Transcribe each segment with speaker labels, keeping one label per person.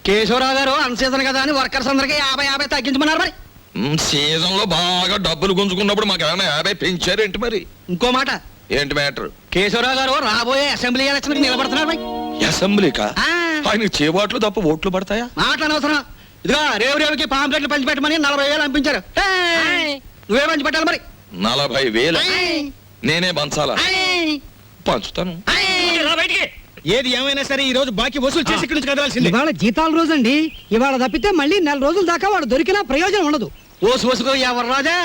Speaker 1: కేశవరావు గారు అన్ సీజన్ కదా అని వర్కర్స్ అందరికి 50 తగ్గించమన్నారు. మరి
Speaker 2: సీజన్ లో బాగా డబ్బులు గుంజుకున్నప్పుడు మాకు ఏమైనా 50 పెంచారేంటి? మరి
Speaker 1: ఇంకో మాట
Speaker 2: ఏంటి మ్యాటర్?
Speaker 1: కేశవరావు గారు రాబోయే అసెంబ్లీ ఎలక్షన్ నిలబడుతున్నారు. మరి
Speaker 2: అసెంబ్లీకా? ఆయనకి చేబాట్లు తప్ప ఓట్లు పడతాయా?
Speaker 1: మాట్లాడవసరం. ఇదిగో రేవుకి పాంప్లెట్లు పంచిపెట్టమని 40,000 పంపించారు. నువ్వే పంచి పెట్టాలి. మరి
Speaker 2: 40,000 నేనే పంచాలా? పంచుతాను.
Speaker 3: ఏది ఏమైనా సరే ఈ రోజు బాకీ వసూలు చేసి ఇక్కడి నుంచి కదలాల్సింది.
Speaker 4: ఇవాళ జీతాల రోజు అండి. ఇవాళ తప్పితే మళ్ళీ 4 రోజుల దాకా వాడు దొరికినా ప్రయోజనం ఉండదు.
Speaker 1: ఓసుకో ఎవరు రాజా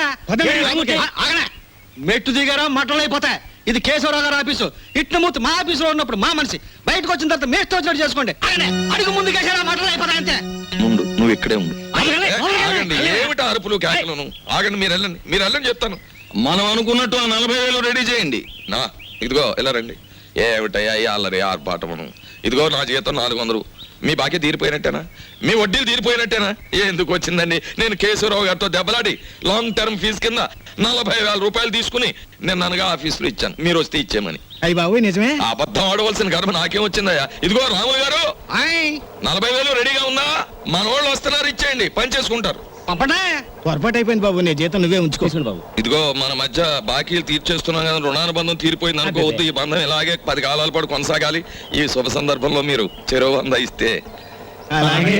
Speaker 1: మెట్టు దిగారా మట్టలు అయిపోతాయి. ఇది కేశవరావు గారు ఆఫీసు. ఇట్ల మూర్తి మా ఆఫీసులో ఉన్నప్పుడు మా మనిషి, బయటకు వచ్చిన తర్వాత మేస్తో వచ్చినట్టు చేసుకోండి. అడుగు ముందు కేసారా మట్టలు అయిపోతాయి అంతే.
Speaker 2: ముందు నువ్వు ఇక్కడే ఉండు. ఆగండి, ఏమిటి అరుపులు కేకలను? ఆగండి, మీరు వెళ్ళండి చెప్తాను. మనం అనుకున్నట్టు ఆ 40,000 రెడీ చేయండి. నా ఇదిగో ఇలా రండి. ఏమిటయ్యా ఈ అల్లరి ఆర్పాటమును? ఇదిగో నా జీతం 400. మీ బాకీ తీరిపోయినట్టేనా? మీ వడ్డీలు తీరిపోయినట్టేనా? ఎందుకు వచ్చిందండి? నేను కేశవరావు గారితో దెబ్బలాడి లాంగ్ టర్మ్ ఫీజు కింద 40,000 రూపాయలు తీసుకుని నేను అనగా ఆఫీసులో ఇచ్చాను. మీరు వస్తే ఇచ్చేమని.
Speaker 3: అయ్యి బాబు నిజమే.
Speaker 2: అబద్ధం ఆడవలసిన గర్భ నాకేం వచ్చిందయ్యా? ఇదిగో రాము గారు 40,000 రెడీగా ఉందా? మన వాళ్ళు వస్తున్నారు, ఇచ్చేయండి, పని చేసుకుంటారు.
Speaker 3: పొరపాటు అయిపోయింది బాబు. నీ జీతం నువ్వే ఉంచుకోవచ్చు బాబు.
Speaker 2: ఇదిగో మన మధ్య బాకీలు తీర్చేస్తున్నాం కదా, రుణానుబంధం తీరిపోయింది అనుకోవద్దు. ఈ బంధం ఇలాగే 10 కాలాల పాటు కొనసాగాలి. ఈ శుభ సందర్భంలో మీరు చెరో 100 ఇస్తే.
Speaker 3: అలాగే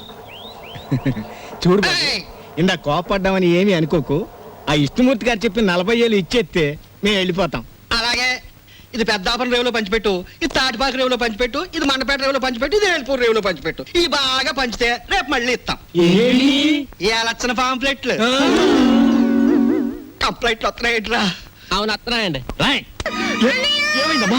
Speaker 3: చూడు బాబు, ఇందా కోపడ్డామని ఏమీ అనుకోకు. ఆ విష్ణుమూర్తి గారు చెప్పిన 40,000 ఇచ్చేస్తే మేము వెళ్ళిపోతాం.
Speaker 1: అలాగే ఇది పెద్దాపురం రేవులో పంచిపెట్టు, ఇది తాటిపాక రేవులో పంచిపెట్టు, ఇది మండపేట రేవులో పంచిపెట్టు, ఇది వేల్పూర్ రేవులో పంచిపెట్టు. ఇది బాగా పంచితే రేపు మళ్ళీ ఇస్తాం. ఏ లక్షణ పాంప్లెట్లు కంప్లైంట్లు వస్తున్నాయిట్రా?
Speaker 4: అవును వస్తున్నాయండి.
Speaker 1: ఏమైందమ్మా?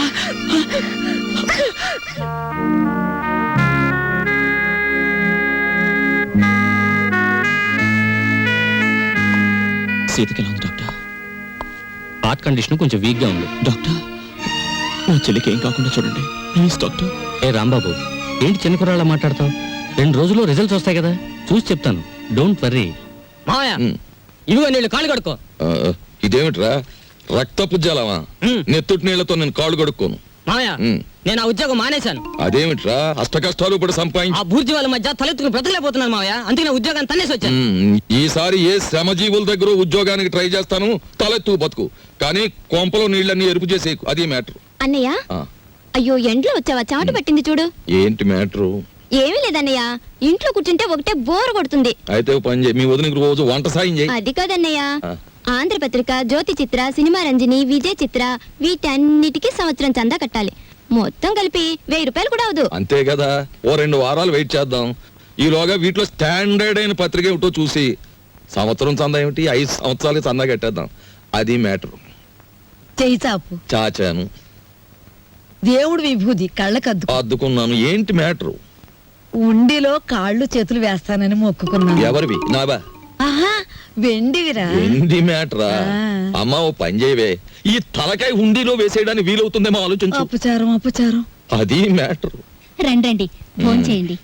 Speaker 5: సీతకి ఎలా ఉంది డాక్టర్? హార్ట్ కండిషన్ కొంచెం వీక్ గా ఉంది డాక్టర్. నా చెల్లికి ఏం కాకుండా చూడండి ప్లీజ్ డాక్టర్. ఏ రాంబాబు, ఏంటి చిన్న కుర్రాళ్ళ మాట్లాడతావు? 2 రోజుల్లో రిజల్ట్స్ వస్తాయి కదా, చూసి చెప్తాను. Don't worry.
Speaker 4: మావయ్య ఇదిగో నీళ్ళు కాళ్ళు కడుక్కో.
Speaker 2: ఇదేమిట్రా రక్తపు జలమా? నెత్తుటి నీళ్లతో నేను కాళ్ళు కడుక్కోను.
Speaker 4: మావయ్య నేను ఆ ఉద్యోగం మానేశాను.
Speaker 2: అదేమిట్రా అష్ట కష్టాలు ఇప్పుడు సంపాదించి
Speaker 4: ఆ బూర్జీ వాళ్ళ మధ్య తలెత్తుకుని బ్రతకలేకపోతున్నాను మావయ్య. అందుకే నా ఉద్యోగాన్ని తన్నేసి వచ్చాను.
Speaker 2: ఈసారి ఏ శ్రమజీవుల దగ్గర ఉద్యోగానికి ట్రై చేస్తాను. తలెత్తు బతుకు, కానీ కొంపలో నీళ్ళన్నీ ఎరుపు చేసేకు. అది మ్యాటర్.
Speaker 6: అన్నయ్య అయ్యో ఎండ్లో వచ్చావా? చాటు పట్టింది చూడు.
Speaker 2: ఏంటి మ్యాటరు?
Speaker 6: ఏమీ లేదన్నయ్య, ఇంట్లో కూర్చుంటే ఒకటే బోర్ కొడుతుంది.
Speaker 2: అయితే పని చేయి, మీ వదినకి రోజు వంట సాయం చేయి.
Speaker 6: అది కాదన్నయ్య, ఆంధ్రపత్రిక, జ్యోతి చిత్ర, సినిమా రంజని, విజయ్ చిత్ర వీటన్నిటికీ సంవత్సరం చందా కట్టాలి. మొత్తం కలిపి 1000 రూపాయలు కూడా అవదు.
Speaker 2: అంతే కదా, ఓ 2 వారాలు వెయిట్ చేద్దాం. ఈలోగా వీటిలో స్టాండర్డ్ అయిన పత్రిక ఏమిటో చూసి సంవత్సరం చందా ఏమిటి 5 సంవత్సరాలు చందా కట్టేద్దాం. అది మ్యాటర్.
Speaker 7: చెయ్యి చాపు.
Speaker 2: చాచాను.
Speaker 7: దేవుడు విభూది కళ్ళకద్దు
Speaker 2: అద్దుకున్నాను. ఏంటి మ్యాటర్?
Speaker 7: ఉండిలో కాళ్ళు చేతులు వేస్తానని మొక్కుకున్నాను.
Speaker 2: ఎవరివి? నావా?
Speaker 7: ఆహా వెండివిరా.
Speaker 2: ఎండి మ్యాటరా? అమ్మా ఓ పని చేయవే, ఈ తలకాయ హుండీలో వేసేయడానికి వీలవుతుందేమో ఆలోచించు.
Speaker 7: అపచారం.
Speaker 2: అది మ్యాటర్.
Speaker 6: రండి ఫోన్ చేయండి.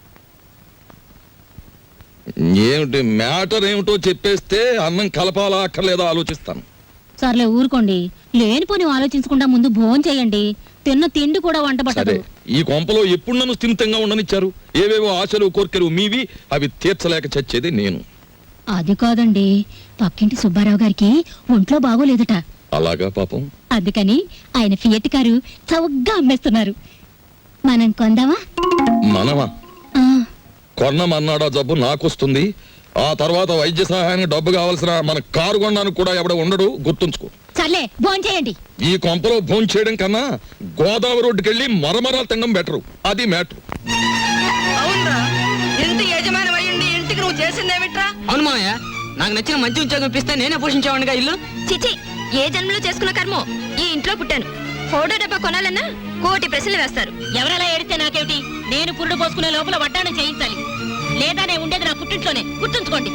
Speaker 2: ఏమిటి మ్యాటర్ ఏమిటో చెప్పేస్తే అన్నం కలపాలా అక్కర్లేదా ఆలోచిస్తాను.
Speaker 6: సర్లే ఊరుకోండి, లేనిపోని ఆలోచించకుండా ముందు భోజనం చేయండి. తిన్న తిండి కూడా వంట పట్టదు.
Speaker 2: ఈ కొంపలో ఎప్పుడు నన్ను స్థిమితంగా ఉండనిచ్చారు? ఏవేవో ఆశలు కోర్కెలు మీవి, అవి తీర్చలేక చచ్చేది నేను.
Speaker 6: అది కాదండి, పక్కింటి సుబ్బారావు గారికి ఒంట్లో బాగోలేదట.
Speaker 2: అలాగా పాపం.
Speaker 6: అందుకని ఆయన ఫియట్ కారు చౌకగా అమ్మేస్తున్నారు. మనం కొందామా?
Speaker 2: మనమా? కొన్నమన్నాడా జబ్బు నాకొస్తుంది. ఆ తర్వాత వైద్య సహాయానికి డబ్బు కావాల్సిన మన కారు కొనడానికి కూడా ఎవడ ఉండడు, గుర్తుంచుకో.
Speaker 6: సర్లే భోజనం చేయండి.
Speaker 2: ఈ కొంపలో భోజనం చేయడం కన్నా గోదావరి రోడ్డుకి వెళ్ళి మరమరాలు తినడం బెటరు. అది మ్యాటర్.
Speaker 4: అవునరా, ఎంత యజమాని అయ్యండి ఇంటికి నువ్వు చేసిందేమిట్రా? అవును మావయ్య, నాకు నచ్చిన మంచి ఉద్యోగం ఇప్పిస్తే నేనే పోషించేవాడిగా ఇల్లు.
Speaker 6: చిచి, ఏ జన్మలో చేసుకున్న కర్మో ఈ ఇంట్లో పుట్టాను. ఫోటో డబ్బా కొనాలన్నా 1,000 ప్రశ్నలు వేస్తారు.
Speaker 8: ఎవరెలా ఏడితే నాకేమిటి? నేను పురుడు పోసుకునే లోపల వడ్డాణం చేయించాలి, లేదా నేను ఉండేది నా పుట్టింట్లోనే. గుర్తుంచుకోండి.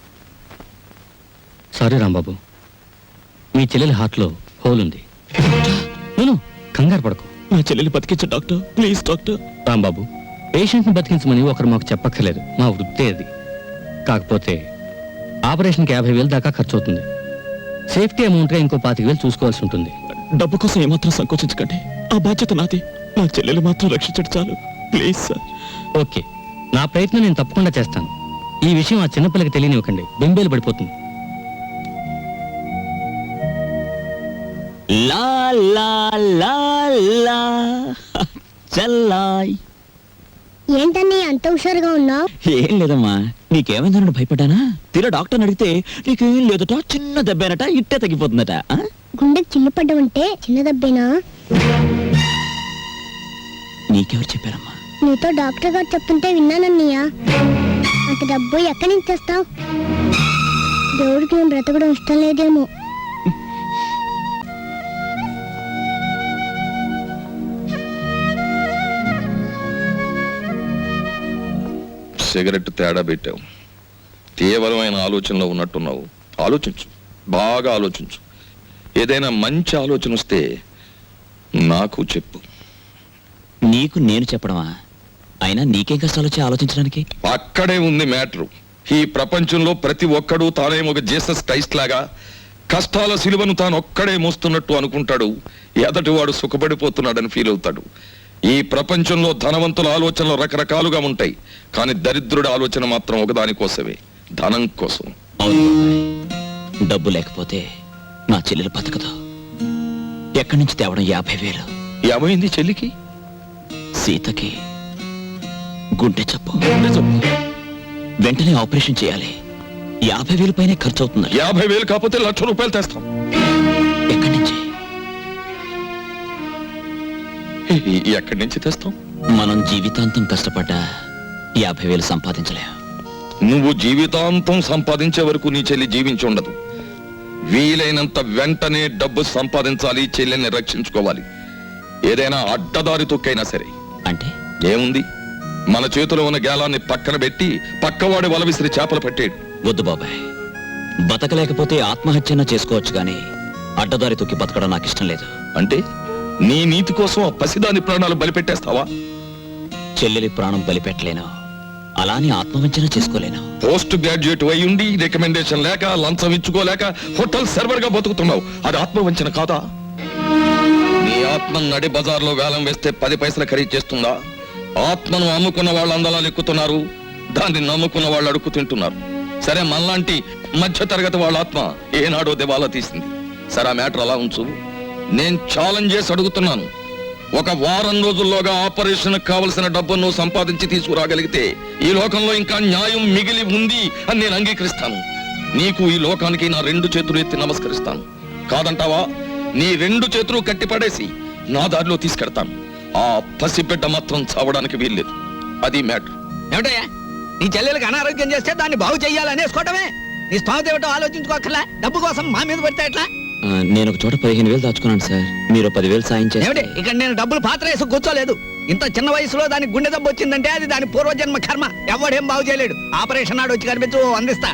Speaker 5: సారీ రాంబాబు, మీ చెల్లెలి హార్ట్ లో హోల్ ఉంది. నేను కంగారు పడకు.
Speaker 3: నా చెల్లెలు బతికించు doctor, please doctor.
Speaker 5: Rambabu, patient ని బతికించమని ఒకరు మాకు చెప్పక్కర్లేదు, మా వృత్తే అది. కాకపోతే ఆపరేషన్కి 50,000 దాకా ఖర్చు అవుతుంది. సేఫ్టీ అమౌంట్ గా ఇంకో 25,000 చూసుకోవాల్సి ఉంటుంది.
Speaker 3: డబ్బు కోసం ఏమాత్రం సంకోచించకండి, ఆ బాధ్యత నాది. నా చెల్లెలు మాత్రం రక్షించడు చాలు, ప్లీజ్ సార్.
Speaker 5: ఓకే, నా ప్రయత్నం నేను తప్పకుండా చేస్తాను. ఈ విషయం ఆ చిన్నపిల్లకి తెలియనివ్వకండి, బెంబేలు పడిపోతుంది.
Speaker 9: లా లా లా లా చల్లాయ్.
Speaker 6: ఏంటని అంత హుషారుగా ఉన్నావు?
Speaker 9: ఏం లేదమ్మా, నీకేమైందనడు భయపడ్డానా? తీరా డాక్టర్ని అడిగితే నీకేం లేదట, చిన్న దెబ్బేనట, ఇట్టే తగ్గిపోతుందట. ఆ?
Speaker 6: గుండెకి చిల్లు పడ్డమంటే చిన్న దెబ్బేనా?
Speaker 9: నీకెవరు చెప్పారమ్మా?
Speaker 6: నీతో డాక్టర్ గారు చెప్తుంటే విన్నానన్నయ్య. అంత డబ్బు ఎక్కడి నుంచి తెస్తావు? దేవుడికి నేను బ్రతకడం ఇష్టం లేదేమో.
Speaker 2: సిగరెట్ తేడా పెట్టావు. తీవ్రమైన ఆలోచనలో ఉన్నట్టున్నావు. ఆలోచించు, బాగా ఆలోచించు. ఏదైనా మంచి ఆలోచన వస్తే నాకు చెప్పు.
Speaker 9: నీకు నేను చెప్పడమా? అయినా నీకేం కష్టాలు వచ్చి ఆలోచించడానికి?
Speaker 2: అక్కడే ఉంది మ్యాటరు. ఈ ప్రపంచంలో ప్రతి ఒక్కడూ తానేమో ఒక జీసస్ క్రైస్ట్ లాగా కష్టాల సిలువను తాను ఒక్కడే మోస్తున్నట్టు అనుకుంటాడు. ఎదటివాడు సుఖపడిపోతున్నాడని ఫీల్ అవుతాడు. ఈ ప్రపంచంలో ధనవంతుల ఆలోచనలు రకరకాలుగా ఉంటాయి, కానీ దరిద్రుడి ఆలోచన మాత్రం ఒకదానికోసమే, ధనం కోసం.
Speaker 9: అవును బాబాయ్, డబ్బు లేకపోతే నా చెల్లెలు బతకదు. ఎక్కడి నుంచి తేవడం 50,000?
Speaker 2: ఏమైంది చెల్లికి?
Speaker 9: సీతకి గుండె జబ్బు. వెంటనే ఆపరేషన్ చేయాలి. 50,000 పైనే ఖర్చు అవుతుంది.
Speaker 2: 50,000 కాకపోతే ₹1,00,000 తెస్తాం.
Speaker 9: ఎక్కడి నుంచి?
Speaker 2: ఎక్కడి నుంచి తెస్తాం?
Speaker 9: మనం జీవితాంతం కష్టపడ్డా 50,000 సంపాదించలేం.
Speaker 2: నువ్వు జీవితాంతం సంపాదించే వరకు నీ చెల్లి జీవించి ఉండదు. వీలైనంత వెంటనే డబ్బు సంపాదించాలి, చెల్లెల్ని రక్షించుకోవాలి. ఏదైనా అడ్డదారి తొక్కైనా సరే.
Speaker 9: అంటే
Speaker 2: ఏముంది, మన చేతిలో ఉన్న గేలాన్ని పక్కన పెట్టి పక్కవాడి వల విసిరి చేపలు పట్టేడు.
Speaker 9: వద్దు బాబాయ్, బతకలేకపోతే ఆత్మహత్యన చేసుకోవచ్చు, కానీ అడ్డదారి తొక్కి బతకడం నాకు ఇష్టం లేదు.
Speaker 2: అంటే నీ నీతి కోసం ఆ పసిదాని ప్రాణాలు బలిపెట్టేస్తావా?
Speaker 9: చెల్లెలి ప్రాణం బలిపెట్టలేను, అలాని ఆత్మవంచన చేసుకోలేను.
Speaker 2: పోస్ట్ గ్రాడ్యుయేట్ అయి ఉండి రికమెండేషన్ లేక లంచం ఇచ్చుకోలేక హోటల్ సర్వర్ గా బతుకుతున్నావు. అది ఆత్మవంచన కాదా? నీ ఆత్మ నడి బజార్లో వేలం వేస్తే 10 పైసలు ఖరీదు చేస్తుందా? ఆత్మను అమ్ముకున్న వాళ్ళు అందలాలు ఎక్కుతున్నారు, దాన్ని నమ్ముకున్న వాళ్ళు అడుక్కు తింటున్నారు. సరే, మనలాంటి మధ్య తరగతి వాళ్ళ ఆత్మ ఏనాడో దివాలా తీసింది. సరే, ఆ మ్యాటర్ అలా ఉంచు. నేను ఛాలెంజ్ చేసి అడుగుతున్నాను. ఒక వారం రోజుల్లోగా ఆపరేషన్ కావలసిన డబ్బును నువ్వు సంపాదించి తీసుకురాగలిగితే ఈ లోకంలో ఇంకా న్యాయం మిగిలి ఉంది అని నేను అంగీకరిస్తాను. నీకు, ఈ లోకానికి నా 2 చేతులు ఎత్తి నమస్కరిస్తాను. కాదంటావా? నీ 2 చేతులు కట్టిపడేసి నా దారిలో తీసుకెడతాను. ఆ పసిబిడ్డ మాత్రం చావడానికి వీల్లేదు. అది మ్యాటర్.
Speaker 1: ఏమిటయ్యా, నీ చెల్లెలకు అనారోగ్యం చేస్తే దాన్ని బాగు చెయ్యాలనేసుకోవటమే. నీ స్థానం ఏమిటో ఆలోచించుకోకర్లా. డబ్బు కోసం మా మీద పడితే ఎట్లా?
Speaker 9: నేను ఒక చోట 15,000 దాచుకున్నాను సార్. మీరు 10,000 సాయం
Speaker 1: ఏమిటి,
Speaker 9: చేయండి.
Speaker 1: ఇక్కడ నేను డబ్బులు పాత్ర వేసి కూర్చోలేదు. ఇంత చిన్న వయసులో దానికి గుండె దెబ్బ వచ్చిందంటే అది దాని పూర్వజన్మ కర్మ. ఎవడేం బాగు చేయలేడు. ఆపరేషన్ నాడు వచ్చి కనిపించు, అందిస్తా.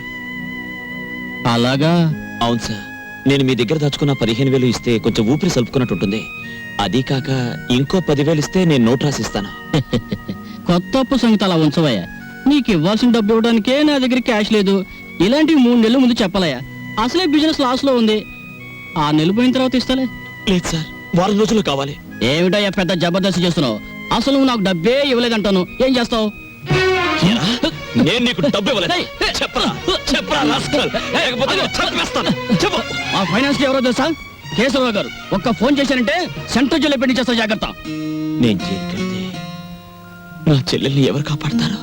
Speaker 5: అలాగా?
Speaker 9: అవును సార్, నేను మీ దగ్గర దాచుకున్న 15,000 ఇస్తే కొంచెం ఊపిరి సలుపుకున్నట్టు ఉంటుంది. అది కాక ఇంకో 10,000 ఇస్తే నేను నోట్ రాసిస్తాను.
Speaker 5: కొత్త అప్పు సంగతి అలా ఉంచవయ్యా. నీకు ఇవ్వాల్సిన డబ్బు ఇవ్వడానికే నా దగ్గర క్యాష్ లేదు. ఇలాంటివి 3 నెలల ముందు చెప్పాలయ్యా. అసలే బిజినెస్ లాస్ లో ఉంది. 6 నెలలు పోయిన తర్వాత ఇస్తాలే.
Speaker 9: లేదు సార్, వారం రోజులు కావాలి.
Speaker 5: ఏమిటయ్యా పెద్ద జబర్దస్త్ చేస్తున్నావు? అసలు నువ్వు నాకు డబ్బే ఇవ్వలేదంటాను. ఏం చేస్తావు?
Speaker 9: నేను నీకు డబ్బు ఇవ్వలేదు. చెప్పరా చెప్పరా రాస్కల్. లేకపోతే నేను చంపేస్తాను. చెప్పు.
Speaker 5: మా ఫైనాన్స్ ఎవరో తెలుసా? కేశవరావు గారు. ఒక్క ఫోన్ చేశారంటే సెంట్రల్ జైలు పెట్టి చేస్తావు. జాగ్రత్త.
Speaker 9: నేను జైలుకెళ్తే నా చెల్లెల్ని ఎవరు కాపాడతారు?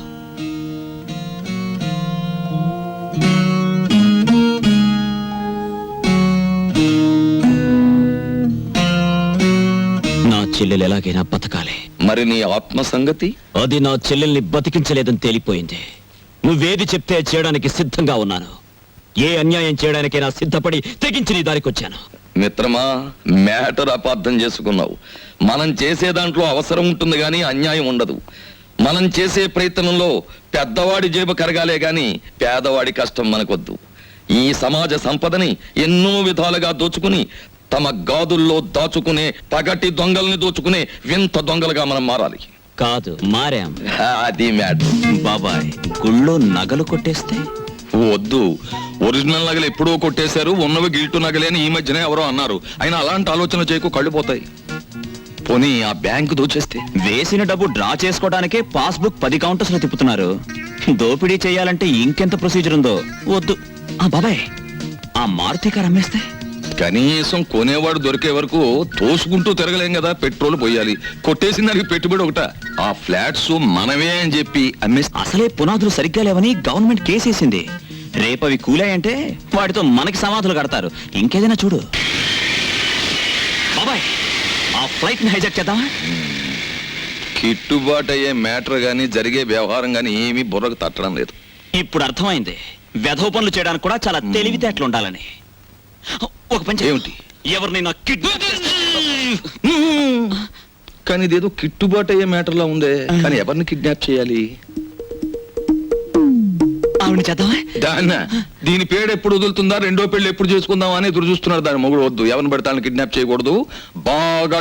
Speaker 9: నా చెల్లెలు ఎలాగైనా బతకాలి.
Speaker 2: మరి నీ ఆత్మ సంగతి?
Speaker 9: అది నా చెల్లెల్ని బతికించలేదని తేలిపోయింది. నువ్వేది చెప్తే చేయడానికి సిద్ధంగా ఉన్నాను. ఏ అన్యాయం చేయడానికైనా సిద్ధపడి తెగించి నీ దారికొచ్చాను.
Speaker 2: మిత్రమా, మ్యాటర్ అపార్థం చేసుకున్నావు. మనం చేసే దాంట్లో అవసరం ఉంటుంది గాని అన్యాయం ఉండదు. మనం చేసే ప్రయత్నంలో పెద్దవాడి జేబు కరగాలే గాని పేదవాడి కష్టం మనకొద్దు. ఈ సమాజ సంపదని ఎన్నో విధాలుగా దోచుకుని తమ గాదుల్లో దాచుకునే పగటి దొంగల్ని దోచుకునే వింత దొంగలుగా మనం మారాలి.
Speaker 9: కాదు, మారాం.
Speaker 2: అది మ్యాటర్.
Speaker 9: బాబాయ్, గుళ్ళో నగలు కొట్టేస్తే?
Speaker 2: వద్దు, ఒరిజినల్ నగలు ఎప్పుడో కొట్టేశారు, ఉన్నవి గిల్టు నగలే అని ఈ మధ్యనే ఎవరో అన్నారు. అయినా అలాంటి ఆలోచన చేయకు, కళ్ళు పోతాయి. పోనీ ఆ బ్యాంకు దోచేస్తే?
Speaker 9: వేసిన డబ్బు డ్రా చేసుకోవడానికే పాస్బుక్ 10 కౌంటర్స్ లో తిప్పుతున్నారు. దోపిడీ చేయాలంటే ఇంకెంత ప్రొసీజర్ ఉందో. వద్దు. ఆ బాబాయ్, ఆ మారుతి కారు అమ్మేస్తే?
Speaker 2: కనీసం కొనేవాడు దొరికే వరకు తోసుకుంటూ తిరగలేం కదా. పెట్రోల్ పోయాలి, కొట్టేసిన దానికి పెట్టుబడి ఒకట. ఆ ఫ్లాట్స్ మనమే అని చెప్పి అమ్మేస్తే?
Speaker 9: అసలే పునాదులు సరిగ్గా లేవని గవర్నమెంట్ కేసేసింది. రేపు అవి కూలాయంటే వాటితో మనకి సమాధులు కడతారు. ఇంకేదైనా చూడు. బాబాయ్, ఆ ఫ్లైట్ ని హైజాక్ చేద్దామా?
Speaker 2: కిట్టుబాటు అయ్యే మ్యాటర్ గానీ జరిగే వ్యవహారం గానీ ఏమీ బుర్రకు తట్టడం లేదు.
Speaker 9: ఇప్పుడు అర్థమైంది వెధవ పనులు చేయడానికి కూడా చాలా తెలివితేటలు ఉండాలని. ఒక పని చేయి.
Speaker 2: ఏమిటి?
Speaker 9: ఎవరినైనా కిడ్నాప్
Speaker 2: కానీ ఇదేదో కిట్టుబాటు అయ్యే మ్యాటర్ లా ఉందే. కానీ ఎవరిని కిడ్నాప్ చేయాలి?
Speaker 9: ఆవిడ చేద్దామా?
Speaker 2: దాన్న దీని పేరు ఎప్పుడు వదులుతుందా, రెండో పెళ్లి ఎప్పుడు చేసుకుందామా అని ఎదురు చూస్తున్నాడు దాని మొగుడు. వద్దు, ఎవరిని పడతాను కిడ్నాప్ చేయకూడదు. బాగా